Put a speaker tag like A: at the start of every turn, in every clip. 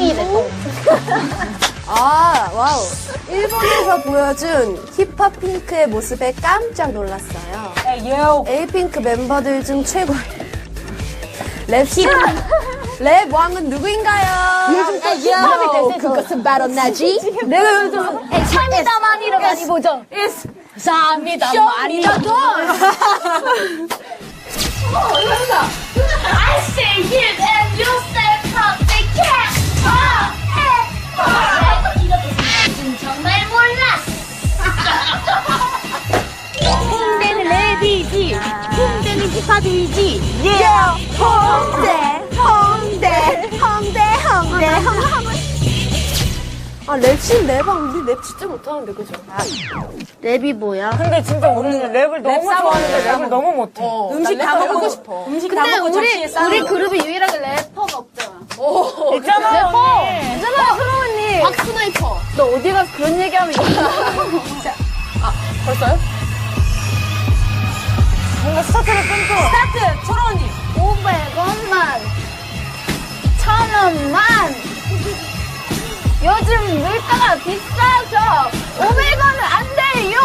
A: 똥이래, 똥.
B: 아, 와우. 일본에서 보여준 힙합 핑크의 모습에 깜짝 놀랐어요. 에이핑크 멤버들 중 최고의 랩 왕은 누구인가요?
A: 요즘 또 힙합이 대세
B: 그것은 바로 나지.
A: 내가 요즘 참이다만이를 많이 보죠. 참이다만이라도.
C: I say hip and you say pop, they can't pop, hey, pop. 이것도 무슨 정말 몰랐어.
A: 홍대는 랩이지, 홍대는 힙합이지.
B: 홍대. 아, 랩신 랩왕 우리 랩 진짜 못하는데, 그죠?
A: 랩이 뭐야?
D: 근데 진짜 우리는 랩을 너무 좋아하는데 랩을 너무 못해.
B: 음식 다 먹고 싶어.
D: 음식 다
A: 근데
D: 먹고 접시에 싸.
A: 우리 그룹이 유일하게 래퍼가 없잖아.
D: 있잖아요, 언니.
A: 괜찮아, 흐름 언니. 박스나이퍼. 너 어디 가서 그런 얘기하면
D: 벌써요? 뭔가 스타트를 끊고. 스타트! 초로 언니.
A: 500원만, 1000원만. 요즘 물가가 비싸서 500원은 안 돼요.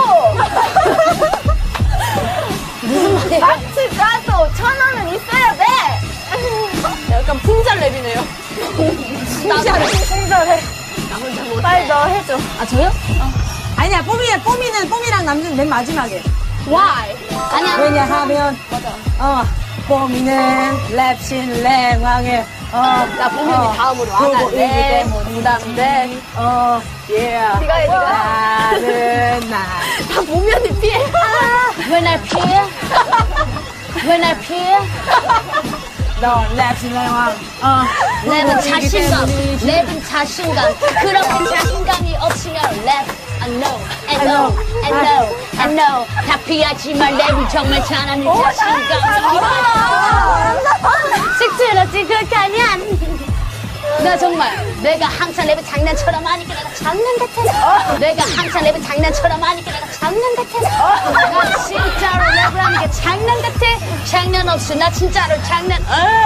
A: 무슨 말이야? 마트 가도 1000원은 있어야 돼.
B: 약간 풍자 랩이네요.
D: 풍자래.
A: 빨리 너 해줘. 아 저요?
D: 아니야, 뽀미랑 남준 맨 마지막에.
A: Why? 아니야.
D: 왜냐하면. 맞아. 뽀미는 랩신 랩왕의.
B: 나 보면이 다음으로
D: 네,
B: 부담돼.
A: 네가 해, 네가.
D: 나는 나.
B: 다 보면이 피해.
A: When I peer, when I peer,
D: 너 랩신 랩왕.
A: 랩은 자신감, 랩은 자신감. 그렇게 자신감이 없으면 랩. I know, I know, I know, I know. 다 피하지만 랩은 정말 잘하는 자신감. 씩씩하지 그렇게 하면. 나 정말 내가 항상 랩을 장난처럼 하니까 내가 장난 같아. 내가 항상 랩을 장난처럼 하니까 내가 장난 같아. 나 진짜로 랩을 하는 게 장난 같아. 장난 없어. 나 진짜로 장난.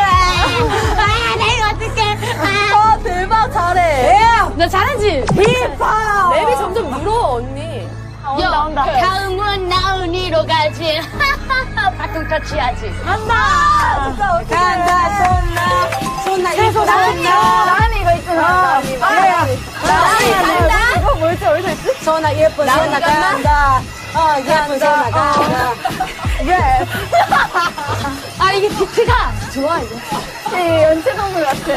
A: 내가 어떡해.
B: 대박, 잘해.
A: 나 잘하지?
D: 힙합!
B: 랩이 점점 늘어, 언니.
A: 온다. 다음은 나은이로 가지. 바통 터치하지.
D: 간다! 손나, 이거
A: 나은이 이거 있잖아.
D: 간다! 이거 뭐였지, 어디서 있지? 손나, 예쁜 손나 간다. 예쁜 손나 간다. 랩!
A: 아, 이게 비트가 좋아, 이거. 연체동물 같아.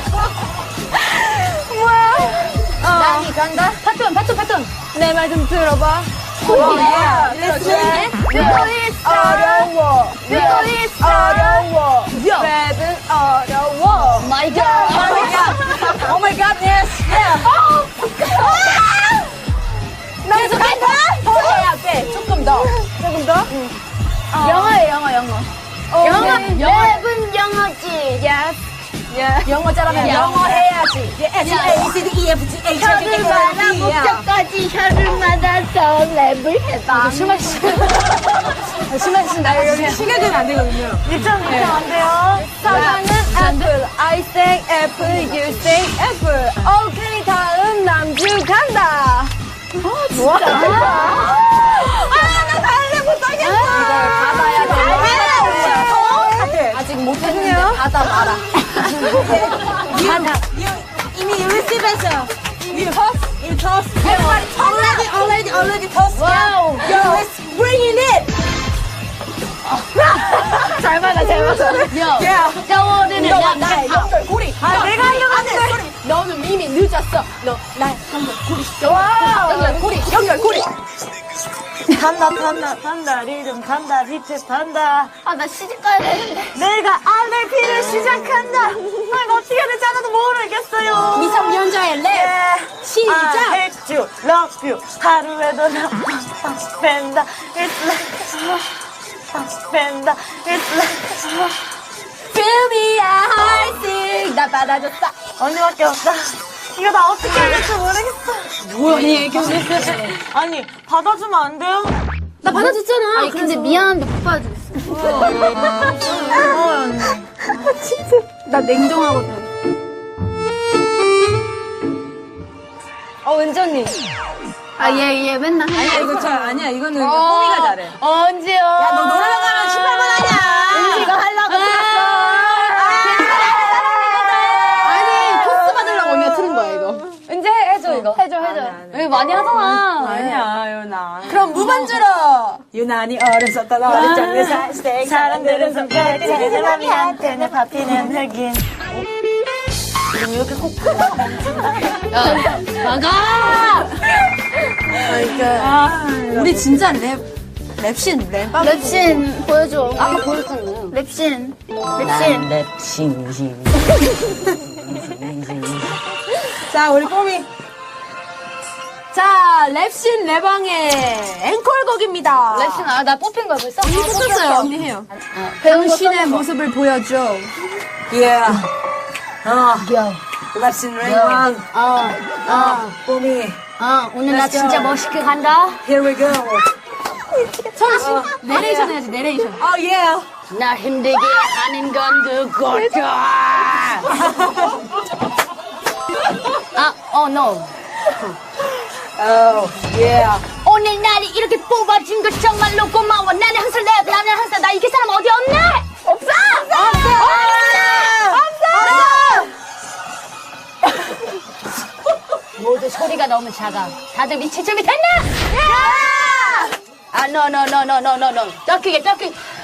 A: 나은이 간다. 파톤.
D: 내 말 좀 들어봐. 어려워. 어려워. 랩은 어려워.
A: My God.
D: Oh my god, yes.
A: 계속해.
D: 더 해야 돼. 조금 더.
A: 영어예요, 영어. 랩은 영어지.
D: Yes. 영어 잘하면 영어 해야지. S, A, C, D, E, F, G, H, I, J, K, L, M, N, O, P,
A: 목적까지 혀를 맞아서 랩을 해봐. 술 마신다.
D: 여기 시계는 안 되거든요. 1.2점 안 돼요.
B: 사랑은 애플. I say apple, you say apple. 오케이, 다음 남주 간다.
A: 좋아.
B: 나 달래 못하겠어. 이걸 받아야 돼. 아직 못했는데 받아 봐라.
D: 이미 receive했어요. You toss. Everybody already toss.
A: 와우.
D: Yo, let's bring it.
A: 잘 맞아. 떠오르는
B: 나의
A: 남자.
B: 연결고리.
D: 내가 하려고 하는데.
B: 너는 이미 늦었어. 너 나의 연결고리. 연결고리.
D: 탄다, 리듬 탄다, 비트 탄다.
A: 아, 나 시집 가야 되는데.
D: 내가 RP를 시작한다. 이거 어떻게 해야 될지 하나도 모르겠어요.
B: 미성년자의 랩. 시작.
D: I hate you, love you. 하루에도 나 뺀다. It's like 뺀다. It's like
B: Feel me, I sing. 나 받아줬어.
D: 언니밖에 없다. 이거 나 어떻게 해야 될지 모르겠어.
B: 뭐야, 이 애교는.
D: 아니, 받아주면 안 돼요?
A: 나 받아줬잖아. 아니, 근데 미안한데 못 받아주겠어.
D: 언니.
A: 나 냉정하거든.
B: 은지 언니.
A: 얘 맨날
B: 아니야, 아니야. 이거는 뽀미가 잘해.
A: 언제요?
B: 야, 너 노래방 가면 18번 하냐? 은지가 하려고 했어.
A: 아니, 코스 받으려고 언니가 틀은 거야, 이거.
B: 은지 해줘, 이거.
A: 해줘. 여기 많이 하잖아.
D: 아니야, 유나.
B: 그럼 무반주로.
D: 유난히 어렸었던 어릴 적의 살색. 사람들은 손가락이 내 맘이한테 내 밟히는 흑인. 지금 이렇게 콕.
A: 나가!
B: 우리 진짜 랩신.
A: 랩신 보여줘. 아까 보여줬잖아요. 랩신.
D: 랩싱싱.
B: 자, 우리 뽀미. 자, 랩신 레방의 앵콜곡입니다.
A: 랩신, 나 뽑힌 거야, 벌써?
B: 언니 뽑혔어요. 언니 해요.
A: 배운 거
B: 당신의
A: 써놓은 거.
B: 모습을 보여줘.
D: Yeah.
A: 야.
D: 랩싱 레이왕. 뽀미.
A: 오늘 나
D: Let's go.
A: 진짜 멋있게 간다.
D: Here we go.
B: 철아 씨, 내레이션 해야지, 내레이션.
D: Oh yeah.
A: 나 힘들게 하는 건 그거다. no.
D: Oh yeah.
A: 오늘 날이 이렇게 뽑아준 거 정말로 고마워. 나는 항상 랩, 나는 항상 나 이길 사람 어디 없네? 없어! 모두 소리가 너무 작아. 다들 미칠 준비 됐나? no. 더 크게.